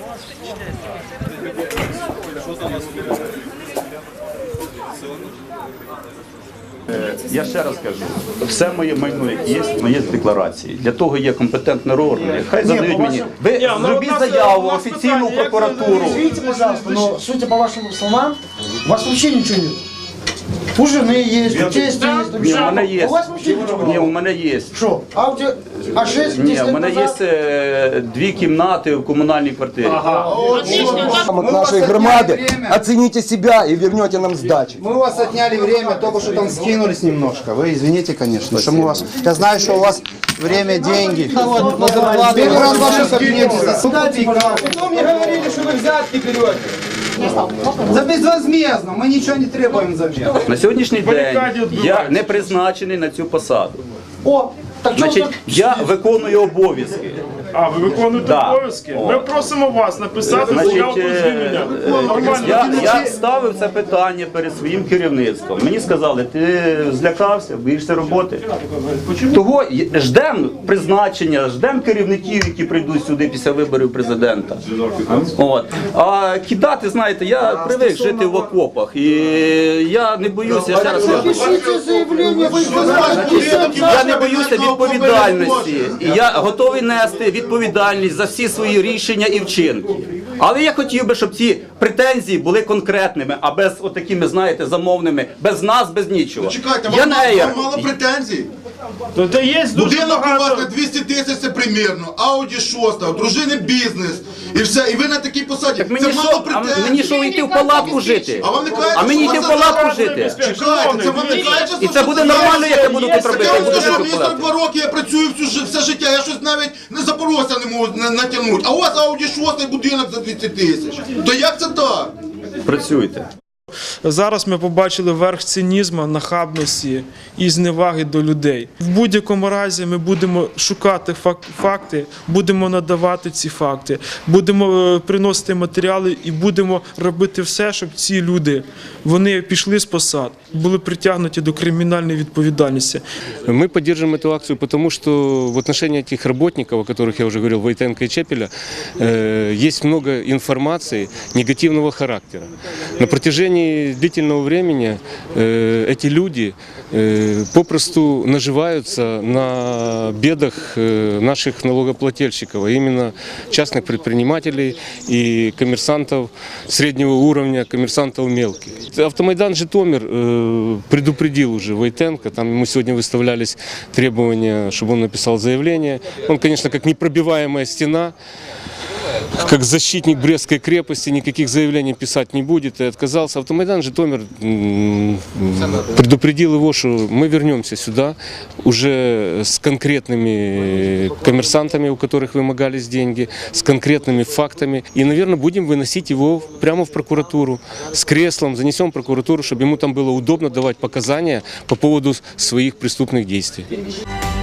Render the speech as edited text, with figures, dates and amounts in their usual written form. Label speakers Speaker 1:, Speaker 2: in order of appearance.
Speaker 1: Я ще раз кажу, все моє майно, яке є, моє в декларації. Для того є компетентні органи. Хай задають мені. Ви зробіть заяву офіційну в прокуратуру.
Speaker 2: Извините, пожалуйста, но судя по вашим словам, у вас вообще ничего нет. У жены есть, у тестя есть, у
Speaker 1: Ні, у мене є.
Speaker 2: У вас вообще ничего
Speaker 1: Ні,
Speaker 2: нет.
Speaker 1: у мене є.
Speaker 2: Что? А 6
Speaker 1: Ні, у мене є 2 кімнати в комунальній квартирі.
Speaker 3: От нашей громады, оцените себя и вернете нам сдачи.
Speaker 4: Мы у вас отняли время, только что там скинулись немножко. Вы извините, конечно, что мы вас... Я знаю, что у вас время, деньги. Первый раз в вашем кабинете засудите.
Speaker 5: Потом мне говорили, что вы взятки берете.
Speaker 4: За безвозмездно, мы ничего не требуем взамен.
Speaker 1: На сьогоднішній день я не призначений на цю посаду.
Speaker 2: О, так что
Speaker 1: Значить, я виконую обов'язки.
Speaker 6: А, ви виконуєте
Speaker 1: Да.
Speaker 6: обов'язки?
Speaker 1: О.
Speaker 6: Ми просимо вас написати
Speaker 1: Значить,
Speaker 6: заяву про звільнення. Нормально.
Speaker 1: я ставив це питання перед своїм керівництвом. Мені сказали, ти злякався, боїшся роботи. Того ждемо призначення, ждемо керівників, які прийдуть сюди після виборів президента. От. А кидати, знаєте, я привик жити в окопах. І я не боюся, ще раз кажу,
Speaker 2: пишите заявление, вы
Speaker 1: я не боюся відповідальності. І я готовий нести відповідальність за всі свої рішення і вчинки. Але я хотів би, щоб ці претензії були конкретними, а без отакими, знаєте, замовними, без нас, без нічого.
Speaker 7: Чекайте,
Speaker 1: Я
Speaker 7: вам
Speaker 1: неєр.
Speaker 7: мало претензій?
Speaker 6: То де є дуже
Speaker 7: Будинок у вас на
Speaker 6: багато...
Speaker 7: 200 тисяч це примірно, Ауді 6, у дружини бізнес, і все, і ви на такій посаді.
Speaker 1: Так
Speaker 7: Це
Speaker 1: мені
Speaker 7: мало
Speaker 1: що,
Speaker 7: претензій.
Speaker 1: мені що йти в палатку жити?
Speaker 7: А вам не кажуть,
Speaker 1: А мені
Speaker 7: що
Speaker 1: йти
Speaker 7: у
Speaker 1: в
Speaker 7: вас
Speaker 1: палатку
Speaker 7: зараз
Speaker 1: жити?
Speaker 7: Чекайте, це вам не кажуть,
Speaker 1: І це буде нормально, як я буду тут робити.
Speaker 7: Я
Speaker 1: Я
Speaker 7: вам
Speaker 1: буду
Speaker 7: скажу,
Speaker 1: жити в
Speaker 7: мені
Speaker 1: палатці.
Speaker 7: 42 роки, я працюю все життя, я щось навіть не Запорожця не можу натягнути. А у вас Ауді 6 будинок за 200 тисяч. То як це так?
Speaker 1: Працюйте.
Speaker 6: Зараз ми побачили верх цинізму, нахабності і зневаги до людей. В будь-якому разі ми будемо шукати факти, будемо надавати ці факти, будемо приносити матеріали і будемо робити все, щоб ці люди, вони пішли з посад, були притягнуті до кримінальної відповідальності.
Speaker 8: Мы поддерживаем эту акцию, потому что в отношении этих работников, о которых я уже говорил, Войтенко и Чепеля, есть много информации негативного характера. На протяжении длительного времени эти люди попросту наживаются на бедах наших налогоплательщиков, а именно частных предпринимателей и коммерсантов среднего уровня, коммерсантов мелких. Автомайдан Житомир предупредил уже Войтенко, там ему сегодня выставлялись требования, чтобы он написал заявление. Он, конечно, как непробиваемая стена, как защитник Брестской крепости, никаких заявлений писать не будет и отказался. Автомайдан Житомир предупредил его, что мы вернемся сюда уже с конкретными коммерсантами, у которых вымогались деньги, с конкретными фактами. И, наверное, будем выносить его прямо в прокуратуру с креслом, занесем в прокуратуру, чтобы ему там было удобно давать показания по поводу своих преступных действий.